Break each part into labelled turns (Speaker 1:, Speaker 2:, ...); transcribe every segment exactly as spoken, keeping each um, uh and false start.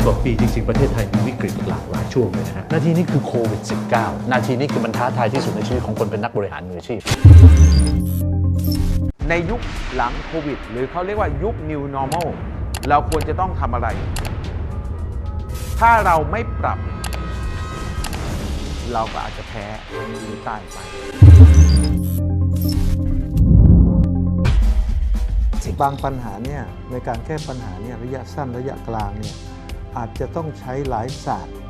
Speaker 1: กว่าปีจริงๆประเทศไทยมีวิกฤตหลากหลายช่วงเลยนะฮะนาทีนี้คือโควิด สิบเก้า นาทีนี้คือมันท้าทายที่สุดในชีวิตของคนเป็นนักบริหารมืออาชีพ
Speaker 2: ในยุคหลังโควิดหรือเขาเรียกว่ายุค New Normal เราควรจะต้องทำอะไรถ้าเราไม่ปรับเราก็อาจจะแพ้หรือตายไป
Speaker 3: บางปัญหาเนี่ยในการแก้ปัญหาเนี่ยระยะสั้นระยะกลางเนี่ยอาจจะต้องใช้หลายศาสตร์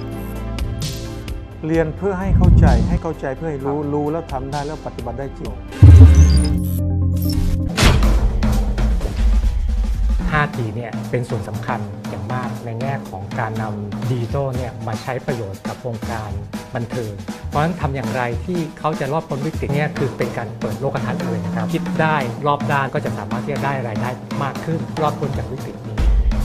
Speaker 3: เรียนเพื่อให้เข้าใจให้เข้าใจเพื่อให้รู้รู้แล้วทำได้แล้วปฏิบัติได้จริง
Speaker 4: ห้า จี เนี่ยเป็นส่วนสำคัญอย่างมากในแง่ของการนำดิจิทัลเนี่ยมาใช้ประโยชน์กับวงการบันเทิงเพราะฉะนั้นทำอย่างไรที่เขาจะรอดพ้นวิกฤตเนี่ยคือเป็นการเปิดโลกทัศน์เลยนะครับคิดได้รอบด้านก็จะสามารถที่จะได้รายได้มากขึ้นรอดพ้นจากวิกฤตนี้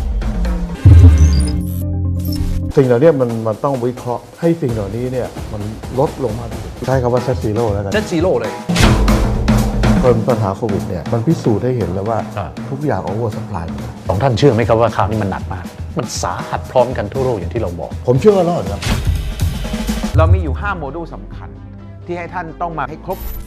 Speaker 5: สิ่งเหล่านี้มันมันต้องวิเคราะห์ให้สิ่งเหล่านี้เนี่ยมันลดลงมาใช้คำว่าเซตซีโร่แล้วกัน
Speaker 1: เซตซีโร่เลย
Speaker 5: ปัญหาโควิดเนี่ยมันพิสูจน์ให้เห็นแล้วว่าทุกอย่างโอเวอร์ซัพพลายหมด
Speaker 1: สองท่านเชื่อไหมครับว่าข่าวนี้มันหนักมากมันสาหัสพร้อมกันทั่วโลกอย่างที่เราบอก
Speaker 5: ผมเชื่อว่ารอดครับ
Speaker 2: เรามีอยู่ห้าโมดูลสำคัญที่ให้ท่านต้องมาให้ครบ